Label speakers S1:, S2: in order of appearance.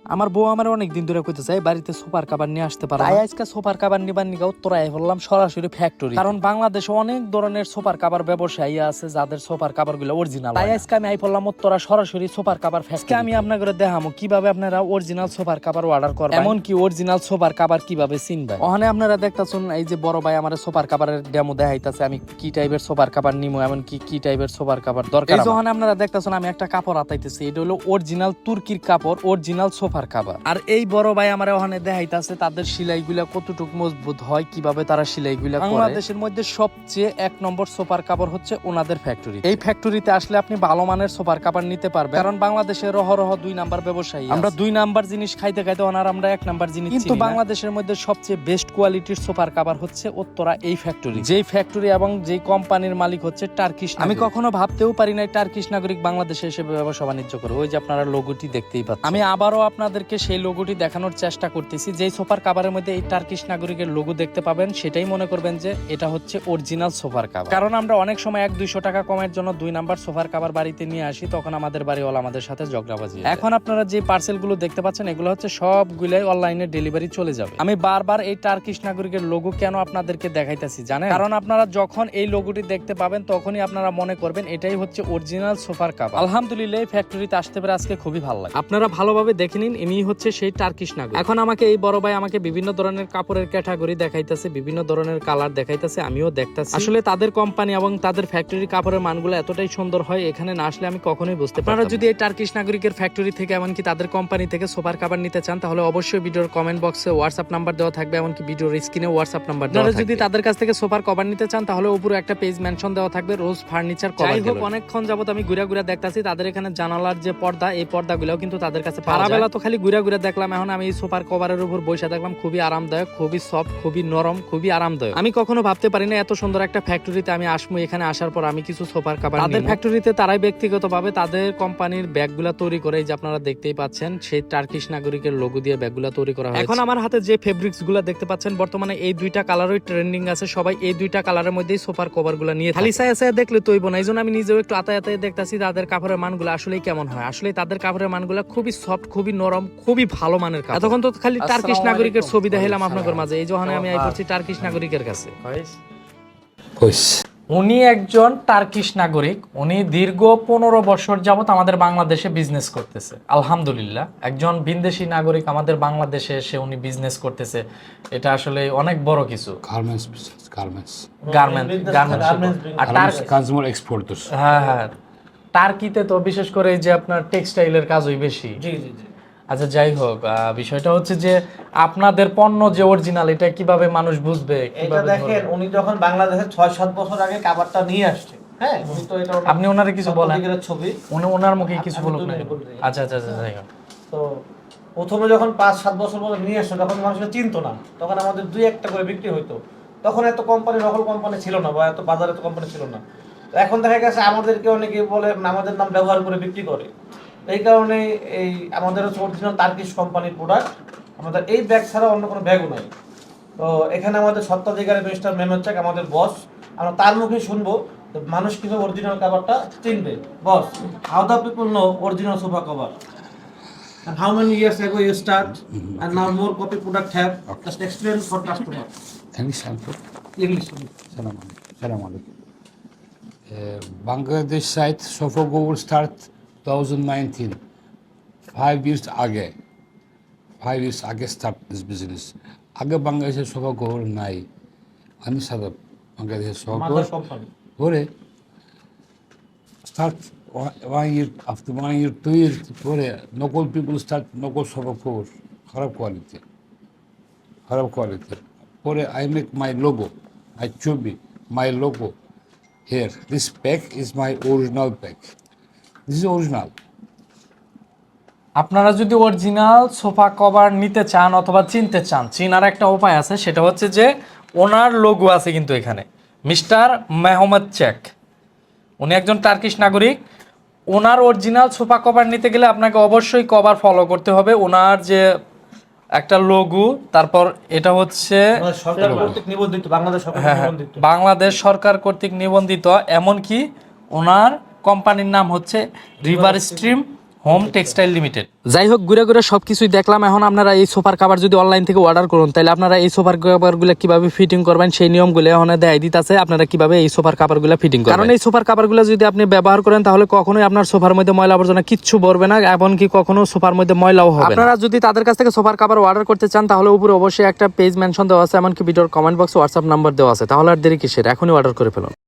S1: আমার বউ আমার অনেকদিন ধরে কইতেছে বাড়িতে সোফার কাভার নিয়ে আসতে পারে, তাই আজকে সোফার কাভার নিবার নিগা উত্তরায় বললাম সরাসরি ফ্যাক্টরি, কারণ বাংলাদেশে অনেক ধরনের সোফার কাভার ব্যবসায়ী আছে যাদের সোফার কাভার গুলো অরিজিনাল। তাই আজকে আমি আই বললাম উত্তরা সরাসরি সোফার কাভার ফ্যাক্টরি। আমি আপনাদের দেখামো কিভাবে আপনারা অরিজিনাল সোফার কাভার অর্ডার করবেন, এমন কি অরিজিনাল সোফার কাভার কিভাবে চিনবেন। ওখানে আপনারা দেখতাছেন এই যে বড় ভাই আমার সোফার কাভারের ডেমো দেখাইতাছে, আমি কি টাইপের সোফার কাভার নিমু, এমন কি টাইপের সোফার কাভার দরকার। এই যখন আপনারা দেখতাছেন আমি একটা কাপড় হাতাইতেছি, এটা হলো অরিজিনাল তুর্কির কাপড়, অরিজিনাল সোফার কাভার। আর এই বড় ভাই আমার ওখানে দেখাইতাছে তাদের সেলাইগুলা কতটুকু মজবুত হয়, কিভাবে তারা সেলাইগুলা করে। বাংলাদেশের মধ্যে সবচেয়ে এক নম্বর সোফার কাভার হচ্ছে ওনাদের ফ্যাক্টরি। এই ফ্যাক্টরিতে আসলে আপনি ভালো মানের সোফার কাভার নিতে পারবেন, কারণ বাংলাদেশের রহ 2 নাম্বার ব্যবসায়ী, আমরা 2 নাম্বার জিনিস খাইতে খাইতে ওনার আমরা 1 নাম্বার জিনিস। কিন্তু বাংলাদেশের মধ্যে সবচেয়ে বেস্ট কোয়ালিটির সোফার কাভার হচ্ছে উত্তরা এই ফ্যাক্টরি। যেই ফ্যাক্টরি এবং যেই কোম্পানির মালিক হচ্ছে টার্কিশ। আমি কখনো ভাবতেও পারি নাই টার্কিশ নাগরিক বাংলাদেশে এসে ব্যবসা বাণিজ্য করে। ওই যে আপনারা লোগোটি দেখতেই পাচ্ছেন, আমি আবারও আপনাদেরকে সেই লোগোটি দেখানোর চেষ্টা করতেছি। যেই সোফার কাভারের মধ্যে এই টার্কিশ নাগরিকের লোগো দেখতে পাবেন, সেটাই মনে করবেন যে এটা হচ্ছে অরিজিনাল সোফার কাভার। কারণ আমরা অনেক সময় 100-200 টাকা কমের জন্য 2 নাম্বার সোফার কাভার বাড়িতে নিয়ে আসি, তখন আমাদের বাড়িওয়ালা আমাদের সাথে ঝগড়াবাজি। এখন আপনারা যে পার্সেল গুলো দেখতে পাচ্ছেন, এগুলো হচ্ছে সবগুলাই অনলাইনে ডেলিভারি চলে যাবে। আমি বারবার এই টার্কিশ নাগরিকের লোগো কেন আপনাদেরকে দেখাইতেছি জানেন? কারণ আপনারা যখন এই লোগোটি দেখতে পাবেন তখনই আপনারা মনে করবেন এটাই হচ্ছে অরিজিনাল সোফার কাভার। আলহামদুলিল্লাহ এই ফ্যাক্টরিতে আসতে পেরে আজকে খুবই ভালো লাগে। আপনারা ভালোভাবে দেখে নিন, ইনি হচ্ছে সেই টার্কিশ নাগরিক। এখন আমাকে এই বড় ভাই আমাকে বিভিন্ন ধরনের কাপড়ের ক্যাটাগরি দেখাইতেছে, বিভিন্ন ধরনের কালার দেখাইতেছে, আমিও দেখতাছি। আসলে তাদের কোম্পানি এবং তাদের ফ্যাক্টরি কাপড়ের মানগুলো এতটাই সুন্দর হয়, এখানে না আসলে আমি কখনোই বুঝতে পারি না। আপনারা যদি এই টার্কিশ নাগরিকের ফ্যাক্টরি থেকে এমনকি তাদের কোম্পানি থেকে সোফার কাভার নিতে চান, তাহলে অবশ্যই ভিডিওর কমেন্ট বক্সে হোয়াটসঅ্যাপ নাম্বার দেওয়া থাকবে, এমনকি ভিডিওর স্ক্রিনে হোয়াটসঅ্যাপ নাম্বার দেওয়া থাকবে। যদি তাদের কাছ থেকে সোফার কভার নিতে চান, তাহলে উপরে একটা পেজ মেনশন দেওয়া থাকবে, রোজ ফার্নিচার কভার। যাই হোক, অনেকক্ষণ যাবত আমি ঘুরে ঘুরে দেখতাছি তাদের এখানে জানালার যে পর্দা, এই পর্দাগুলোও কিন্তু তাদের কাছে পাওয়া যায়। বেলা তো খালি ঘুরে ঘুরে দেখলাম, এখন আমি এই সোফার কভারের উপর বসে দেখলাম, খুবই আরামদায়ক, খুবই সফট, খুবই নরম, খুবই আরামদায়ক। আমি কখনো ভাবতে পারি না এত সুন্দর একটা ফ্যাক্টরিতে আমি আসবো। এখানে আসার পর আমি কিছু সোফার কভার তাদের ফ্যাক্টরিতে তারাই ব্যক্তিগতভাবে তাদের কোম্পানির ব্যাগগুলা তৈরি করে, এই যে আপনারা দেখতেই পাচ্ছেন সেই টার্কিশ নাগরিকের লোগো দিয়ে ব্যাগগুলা তৈরি করা হয়। এখন আমার হাতে যে ফেব্রিক্স গুলা দেখতে পাচ্ছেন, বর্তমানে এই 2টা কালারই ট্রেন্ডিং আছে। সবাই এই 2টা কালারের মধ্যেই সোফার কভার গুলা নিয়ে খালি সায়া দেখলে তৈব না। এই জন্য আমি নিজেও একটু আতায় দেখতাছি তাদের কাপড়ের মানগুলো আসলেই কেমন হয়। আসলে তাদের কাপড়ের মানগুলো খুবই সফট, খুবই নরম, খুবই ভালো মানের কাপড়। এতক্ষণ তো খালি টার্কিশ নাগরিকের ছবি দেখাইলাম আপনাদের মাঝে, এই যখন আমি আই করছি টার্কিশ নাগরিকের কাছে। উনি একজন টার্কিশ নাগরিক, উনি দীর্ঘ 15 বছর যাবত আমাদের বাংলাদেশে বিজনেস করতেছে। আলহামদুলিল্লাহ, একজন বিদেশি নাগরিক আমাদের বাংলাদেশে এসে উনি বিজনেস করতেছে, এটা আসলে অনেক বড় কিছু।
S2: Consumer exporters.
S1: হ্যাঁ, টার্কিতে তো বিশেষ করে যে আপনার টেক্সটাইলের কাজই বেশি।
S3: জি জি জি।
S1: আচ্ছা, যাই হোক, বিষয়টা হচ্ছে যে আপনাদের পণ্য যে অরিজিনাল, এটা কিভাবে মানুষ বুঝবে?
S3: এটা দেখেন, উনি যখন বাংলাদেশে 6-7 বছর আগে কাভারটা নিয়ে আসছে, হ্যাঁ, উনি তো এটা
S1: আপনি ওনারে কিছু বলেন,
S3: ছবি
S1: ওনার মুখে কিছু বলুক না। আচ্ছা, যাই হোক।
S3: তো প্রথমে যখন 5-7 বছর পরে নিয়ে আসছে, তখন মানুষকে চিনতো না, তখন আমাদের 2-1টা করে বিক্রি হইতো। তখন এত কোম্পানি, নকল কোম্পানি ছিল না, বা এত বাজারে এত কোম্পানি ছিল না। তো এখন দেখা গেছে আমাদেরকে অনেকে বলে আমাদের নাম ব্যবহার করে বিক্রি করে। এই কারণে এই আমাদের হচ্ছে অরিজিনাল টার্কিশ কোম্পানির প্রোডাক্ট, আমাদের এই ব্যাগ ছাড়া অন্য কোনো ব্যাগও নাই। তো এখানে আমাদের সত্ত্বাধিকারী মিস্টার মেমনচাক আমাদের বস, আমরা তার মুখে শুনবো মানুষ কিভাবে অরিজিনাল কভারটা চিনবে। Boss, how the people know original sofa cover and how many years ago you start and now more copy product have? Just explain for customer.
S2: English. Salam alaikum. Bangladesh site sofa cover start 2019. 5 years ago start this business. আগে বাংলাদেশের sofa cover নাই, আমি সাদা বাংলাদেশের sofa cover করে start 1 year, after 1 year 2 years পরে নকল people start নকল সোফা কভার, খারাপ কোয়ালিটি পরে I make my logo, my ছবি, my logo here. This pack is my original pack. This is original.
S1: আপনারা যদি অরিজিনাল সোফা কভার নিতে চান অথবা চিনতে চান, চিনার একটা উপায় আছে, সেটা হচ্ছে যে ওনার লোগো আছে কিন্তু এখানে, মিস্টার মেহমেদচাক। উনি একজন টার্কিশ নাগরিক। ওনার অরিজিনাল সোফা কভার নিতে গেলে আপনাকে অবশ্যই কভার ফলো করতে হবে। ওনার যে একটা লোগো, তারপর এটা হচ্ছে
S3: সরকার কর্তৃক নিবন্ধিত,
S1: বাংলাদেশ সরকার কর্তৃক নিবন্ধিত, এমনকি ওনার কোম্পানির নাম হচ্ছে river stream home textile limited. যাই হোক, ঘুরে ঘুরে সবকিছুই দেখলাম। এখন আপনারা এই সোফার কাভার যদি অনলাইন থেকে অর্ডার করুন, তাহলে আপনারা এই সোফার কাভারগুলো কিভাবে ফিটিং করবেন সেই নিয়মগুলো এখন দেখাই দিতেছে আপনারা কিভাবে এই সোফার কাভারগুলো ফিটিং করবেন। কারণ এই সোফার কাভারগুলো যদি আপনি ব্যবহার করেন তাহলে কখনোই আপনার সোফার মধ্যে ময়লা আবর্জনা কিচ্ছু ভরবে না, এমনকি কখনো সোফার মধ্যে ময়লাও হবে না। আপনারা যদি তাদের কাছ থেকে সোফার কাভার অর্ডার করতে চান তাহলে উপরে অবশ্যই একটা পেজ মেনশন দেওয়া আছে, এমনকি ভিডিওর কমেন্ট বক্সে হোয়াটসঅ্যাপ নাম্বার দেওয়া আছে। তাহলে আর দেরি কিসের, এখনই অর্ডার করে ফেলুন।